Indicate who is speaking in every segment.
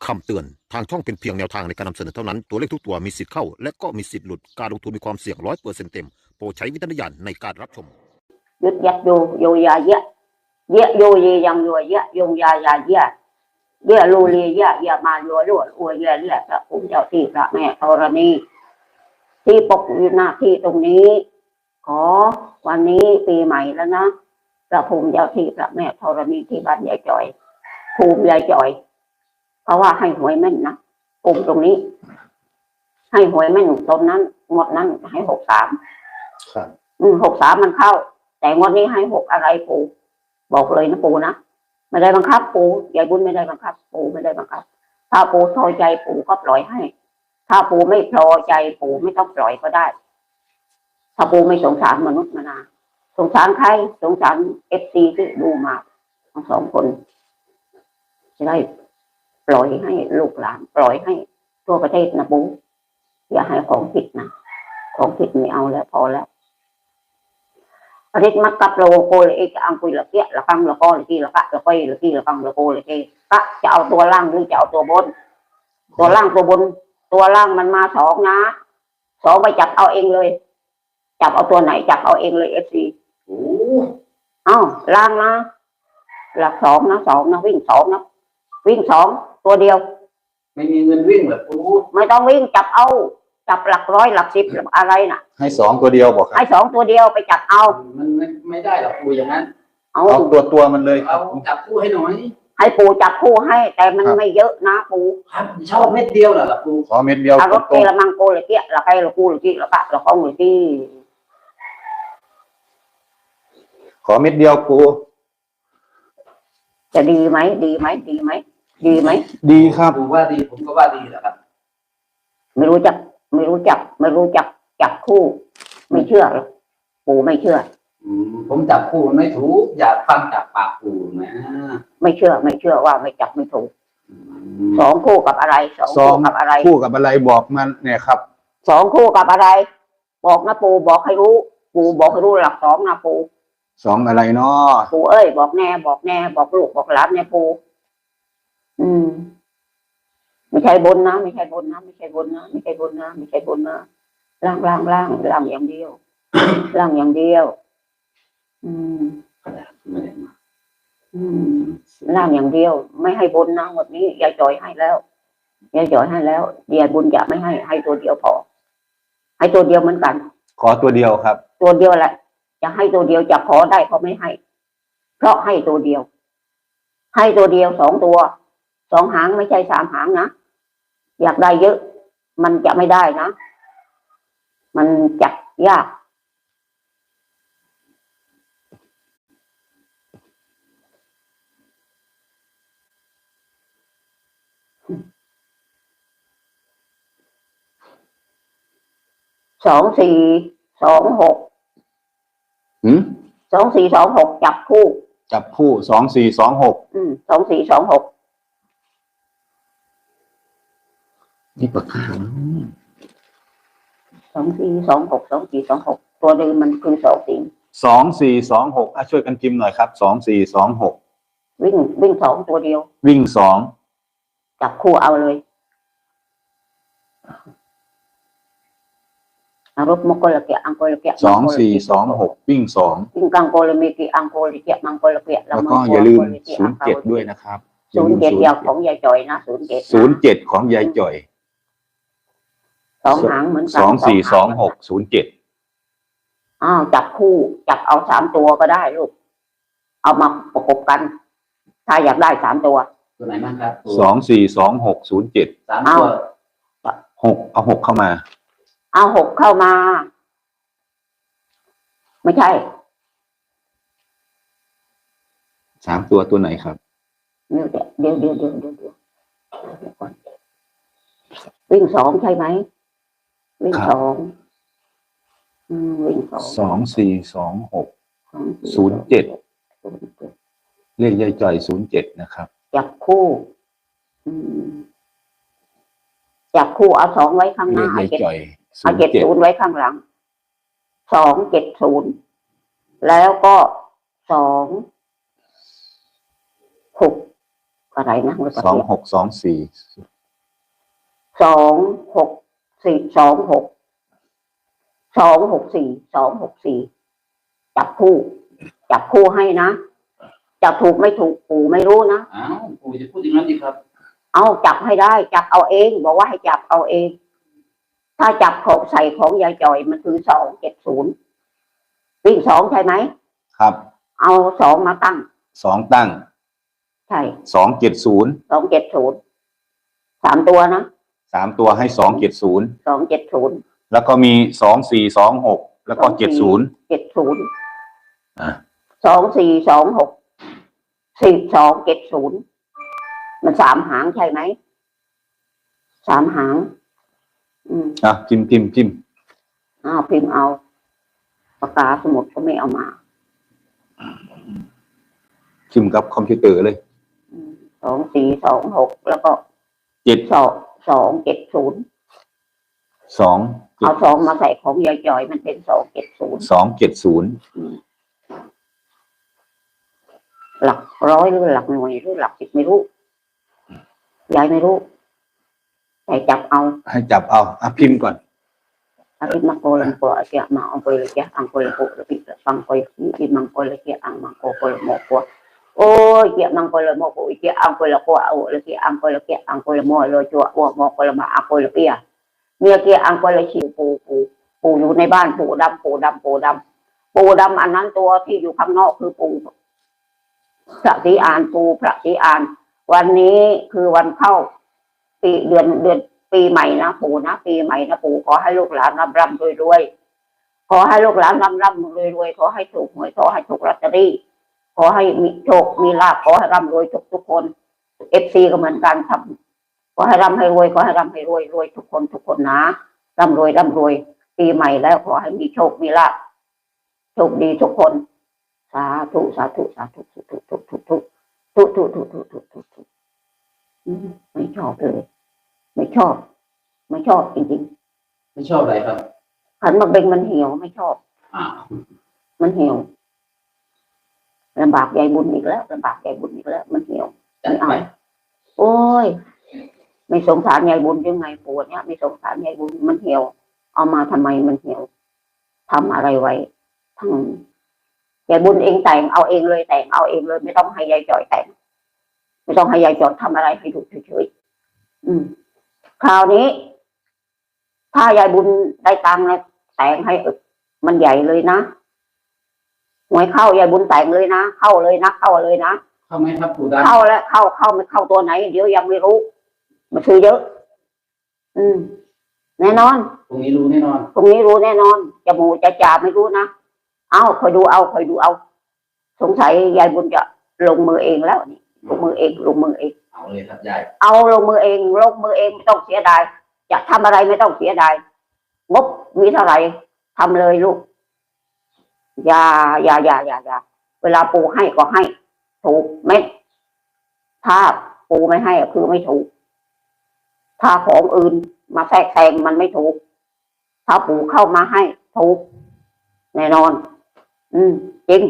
Speaker 1: คำเตือนทางช่องเป็นเพียงแนวทางในการนำเสนอเท่านั้นตัวเลขทุกตัวมีสิทธิ์เข้าและก็มีสิทธิ์หลุดการลงทุนมีความเสี่ยง100%เต็มโปรดใช้วิจารณญาณในการรับชม
Speaker 2: ยึดยัดอยู่ยาเยอะเยอะอยู่เยยังอยู่เยอะยงยาเยอะเยอะรูเยอะมาอยู่รวดอวยเยอะพระภูมิเจ้าที่พระแม่ธรณีที่ปกอยู่หน้าที่ตรงนี้ขอวันนี้ปีใหม่แล้วนะพระภูมิเจ้าที่พระแม่ธรณีที่บ้านยายจ่อยภูมิยายจ่อยเพราะว่าให้หวยแม่นนะภูมิตรงนี้ให้หวยแม่นตรงนั้นงวดนั้นให้63
Speaker 3: ครับ
Speaker 2: 63มันเข้าแต่งวดนี้ให้6อะไรปู่บอกเลยนะปู่นะไม่ได้บังคับปู่ยายบุญไม่ได้บังคับปู่ไม่ได้บังคับถ้าปู่พอใจปู่ก็ปล่อยให้ถ้าปู่ไม่พอใจปู่ไม่ต้องปล่อยก็ได้ถ้าปู่ไม่สงสารมนุษย์มนาสงสารใครสงสารFCที่ดูมาทั้งสองคนจะได้ปล่อยให้ลูกหลานปล่อยให้ทั่วประเทศนะปู่อย่าให้ของผิดนะของผิดไม่เอาแล้วพอแล้วอริสมักกับโลโกเลยจะอังคุยละเกียละกังละก้อละกี้ละกะละก้อยละกี้ละกังละโกละกี้กะจะเอาตัวล่างหรือจะเอาตัวบนตัวล่างตัวบนตัวล่างมันมา2นะ2ไปจับเอาเองเลยจับเอาตัวไหนจับเอาเองเลยFCล่างนะหลัก2นะ2นะวิ่ง2นะวิ่ง2ตัวเดียว
Speaker 3: ไม่มีเงินวิ่งเหรอปู
Speaker 2: ไม่ต้องวิ่งจับเอาจับหลักร้อยหลัก10หลักอะไรน่ะ
Speaker 3: ให้2ตัวเดียวบอกครับ
Speaker 2: ให้2ตัวเดียวไปจับเอา
Speaker 3: มันไม่ได้หรอกปูอย่างนั้น
Speaker 2: เอา
Speaker 3: ตัวมันเลย
Speaker 4: เอาจับคู่ให้หน่อย
Speaker 2: ให้ปูจับคู่ให้แต่มันไม่เยอะนะปู
Speaker 4: ครับชอบเม็ดเดียวเหรอปู
Speaker 3: ขอเม็ดเดียว
Speaker 2: รถเกละมังโกละเกียละไกละกูละกี้ละกะละก้องละกี้
Speaker 3: ขอเม็ดเดียวปู
Speaker 2: จะดีไหมดี
Speaker 3: ครับ
Speaker 4: ปูว่าดีผมก็ว่าดีแหละครับ
Speaker 2: ไม่รู้จักจับคู่ไม่เชื่อหรอกปู่ไม่เชื่อ
Speaker 4: ผมจับคู่ไม่ถูกอยากฟังจากปากปูนะ
Speaker 2: ไม่เชื่อว่าไม่จับไม่ถูก2คู่กับอะไร2คู่กับอะไร
Speaker 3: คู่กับอะไรบอกมันเนี่ยครับ
Speaker 2: 2คู่กับอะไรบอกนะปู่บอกให้รู้ปู่บอกให้รู้หลัก2นะปู่
Speaker 3: 2อะไรเนาะ
Speaker 2: ปู่เอ้ยบอกแน่บอกลูกบอกหลานเนี่ยปู่ไม่ใช่บนนะล่างอย่างเดียวล่างอย่างเดียวล่างอย่างเดียวไม่ให้บนนะวันนี้ยายจ่อยให้แล้วยายบุญจะไม่ให้ตัวเดียวพอให้ตัวเดียวเหมือนกัน
Speaker 3: ขอตัวเดียวครับ
Speaker 2: ตัวเดียวแหละจะให้ตัวเดียวจะขอได้เขาไม่ให้เพราะให้ตัวเดียว2ตัว2หางไม่ใช่3หางนะอยากได้เยอะมันจะไม่ได้นะมันจับยาก2426จับคู่
Speaker 3: 2426
Speaker 2: 2426
Speaker 3: นี่ปากกา
Speaker 2: 2426ตัวเดิมมันคือ
Speaker 3: 2426ช่วยกันพิมพ์หน่อยครับ2426
Speaker 2: วิ่ง2ตัวเดียว
Speaker 3: วิ่ง2
Speaker 2: จับคู่เอาเลยอารมณ์มกลเกะอังโกลเกะ
Speaker 3: 2426วิ่ง
Speaker 2: กังโกลเมกิอังโกลเกะมังโกลเกะ
Speaker 3: แล้วก็อย่าลืม07ด้วยนะครับ
Speaker 2: 07ยาวของยายจ่อยนะ
Speaker 3: 07ของยายจ่อย
Speaker 2: 2หางเหมือนกัน
Speaker 3: 242607
Speaker 2: จับคู่จับเอา3ตัวก็ได้ลูกเอามาประกบกันถ้าอยากได้3ตัว
Speaker 4: ไหนบ้างครับ
Speaker 3: 242607
Speaker 4: 3ตัว
Speaker 3: 6เอา6เข้ามา
Speaker 2: เอา6เข้ามาไม่ใช่
Speaker 3: 3ตัวไหนครับ
Speaker 2: เดี๋ยววิ่ง2ใช่ไหมวิ่ง
Speaker 3: 242607เลขยายจ่อย07นะครับ
Speaker 2: จับคู่เอา2ไว้ข้างหน้าเอา70ไว้ข้างหลัง270แล้วก็26 อะไรนะเมื่อ
Speaker 3: สอง
Speaker 2: กี้
Speaker 3: หกสองสี่
Speaker 2: 26 4 26 4 2 6 4จับคู่ให้นะจะถูกไม่ถูกปู่ไม่รู้นะ
Speaker 4: อ้าวปู่จะพูดอย่างนั้นดีครับ
Speaker 2: เอาจับให้ได้จับเอาเองบอกว่าให้จับเอาเอง ถ้าจับของใส่ของยายจ่อยมันคือ270วิ่ง2ใช่ไหม
Speaker 3: ครับ
Speaker 2: เอา2มาตั้ง
Speaker 3: 2ตั้ง
Speaker 2: ใช่
Speaker 3: 270
Speaker 2: 270 3 ตัวนะ
Speaker 3: 3ตัวให้270
Speaker 2: 270
Speaker 3: แล้วก็มี2426แล้วก็70
Speaker 2: 70
Speaker 3: อ่ะ
Speaker 2: 2426 4270มัน3 หางใช่ไหม3 หาง
Speaker 3: พิมพ์
Speaker 2: พิมพ์เอาปากกาสมุดก็ไม่เอามา
Speaker 3: พิมพ์กับคอมพิวเตอร์เลย
Speaker 2: 2426แล้วก็
Speaker 3: 7
Speaker 2: 270
Speaker 3: 2
Speaker 2: เอา2มาใส่ของยายจ่อยมันเป็น270
Speaker 3: 270
Speaker 2: หลักร้อยหรือหลักหน่วยหรือหลัก10ไม่รู้ยายไม่รู้แต่จับเอา
Speaker 3: ให้จับเอาพิมพ์ก่อน
Speaker 2: Arit mako lang po at kaya maangkoy lang kaya angkoy lang po lapit pangkoy hindi mangkoy lang kaya ang mangkoy mo po ôi kaya mangkoy lang mo po kaya angkoy lang po ao kaya angkoy lang kaya angkoy mo lo chua mo ko lang maangkoy lang kaya เนี่ยเกียอังกฤษปู่อยู่ในบ้านปู่ดำอันนั้นตัวที่อยู่ข้างนอกคือปู่พระศรีอานปู่พระศรีอานวันนี้คือวันเข้าปีเดือนปีใหม่นะปู่นะปีใหม่นะปู่ขอให้ลูกหลานร่ำรวยขอให้ลูกหลานร่ำรวยขอให้ถูกหวยขอให้ถูกลอตเตอรี่ขอให้มีโชคมีลาภขอให้ร่ำรวยทุกคนFCก็เหมือนกันทำขอให้ร่ำให้รวยขอให้ร่ำให้รวยทุกคนนะร่ำรวยปีใหม่แล้วขอให้มีโชคมีลาภโชคดีทุกคนสาธุไม่ชอบเลยไม่ชอบจริง
Speaker 4: ไม่ชอบอะไรครับ
Speaker 2: ๆขันมาเบ่งมันเหี่ยวไม่ชอบ
Speaker 4: อ้าว
Speaker 2: มันเหี่ยวลำบากยายบุญอีกแล้วมันเหี่ยว
Speaker 4: จัดไป
Speaker 2: โอ้ยไม่สงสารยายบุญยังไงปวดเนี่ยไม่สงสารยายบุญมันเหี่ยวเอามาทำไมมันเหี่ยวทำอะไรไว้ทั้งยายบุญเองแต่งเอาเองเลยไม่ต้องให้ยายจ่อยแต่งไม่ต้องให้ยายจ่อยทำอะไรให้ดูเฉยๆคราวนี้ ถ้ายายบุญได้ตังค์แล้วแต่งให้มันใหญ่เลยนะหวยเข้ายายบุญแต่งเลยนะเข้าเลยนะ
Speaker 4: เข้าไหมครับปู่ดำ
Speaker 2: เข้าแล้วเข้าไม่เข้าตัวไหนเดี๋ยวยังไม่รู้มันซื้อเยอะ แน่นอน
Speaker 4: ตรงนี้รู้แน่นอน
Speaker 2: ตรงนี้รู้แน่นอนจะหมูจะจ่าไม่รู้นะคอยดูเอาสงสัยยายบุญจะลงมือเองแล้วนี่ลงมือเอง
Speaker 4: เอาเลยครับยาย
Speaker 2: เอาลงมือเองไม่ต้องเสียดายจะทำอะไรไม่ต้องเสียดายงบมีเท่าไหร่ทำเลยลูกอย่าเวลาปูให้ก็ให้ถูกไหมถ้าปูไม่ให้คือไม่ถูกถ้าของอื่นมาแทรกแซงมันไม่ถูกถ้าปูเข้ามาให้ถูกแน่นอนจริง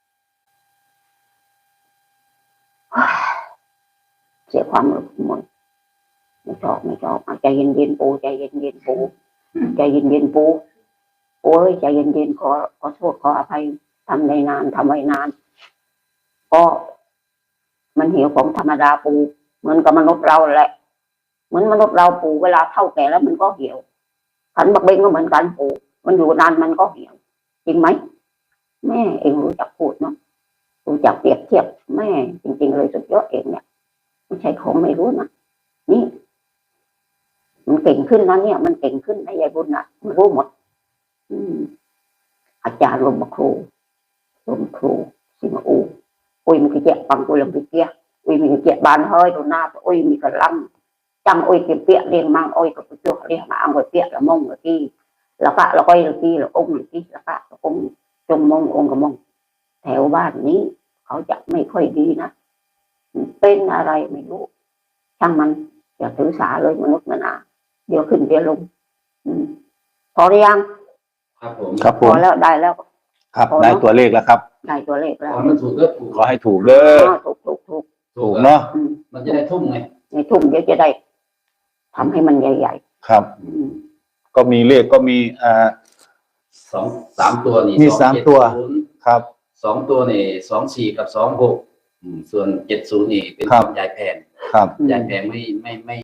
Speaker 2: เสียความรู้หมดไม่ชอบใจเย็นๆปูใจเย็นๆปูใจเย็นๆปูโอ้ยใจเย็นๆขอโทษขออภัยทำไว้นานก็มันเหี่ยวของธรรมดาปูเหมือนกับมนุษย์เราแหละเหมือนมนุษย์เราปูเวลาเฒ่าแก่แล้วมันก็เหี่ยวขันบักเบงก็เหมือนกันปูมันอยู่นานมันก็เหี่ยวจริงไหมแม่เองรู้จักพูดเนาะรู้จักเปรียบเทียบแม่จริงๆเลยสุดยอดเองเนี่ยไม่ใช่ของไม่รู้นะนี่มันเก่งขึ้นนะเนี่ยมันเก่งขึ้นนะยายบุญนะมันรู้หมดอาจารย์ลมครูสิมาอูôi mình cái chuyện bằng ôi làm cái kia ôi mình cái chuyện bàn hơi đồ na ôi mình cả lăng chăm ôi kiếm tiện liền mang ôi cái chuột liền mà ăn rồi tiện là mông ở kia là cả là quay là kia là ông là kia là cả là ông trông mông ông cả mông theoบ้านนี้เขาจะไม่ค่อยดีนะเป็นอะไรไม่รู้ช่างมันอย่าถือสาเลยมนุษย์มันเดี๋ยวขึ้นเดี๋ยวลงพอหรือยัง
Speaker 4: ครับผม
Speaker 2: พอแล้วได้แล้ว
Speaker 3: ครับได้ตัวเลขแล้วครับ
Speaker 2: ได้ตัวเลขแล้ว
Speaker 4: ขอให้ถูกเด้อปู่
Speaker 3: ขอให้ถูกเด้อ
Speaker 2: ถูก
Speaker 3: ถูกเนาะ
Speaker 2: อืม
Speaker 4: มันจะได้ทุ่มไง
Speaker 2: ในทุ่มเดี๋ยวจะได้ทำให้มันใหญ่
Speaker 3: ครับ
Speaker 2: ๆอืม
Speaker 3: ก็มีเลขก็มี
Speaker 4: สามตัวนี่
Speaker 3: มี3 ตัว
Speaker 4: 270
Speaker 3: ครับ
Speaker 4: 2 ตัวนี่24 กับ 26ส่วน70นี่เป็น
Speaker 3: ครับ
Speaker 4: ยายแพง
Speaker 3: ครับ
Speaker 4: ยายแพงไม่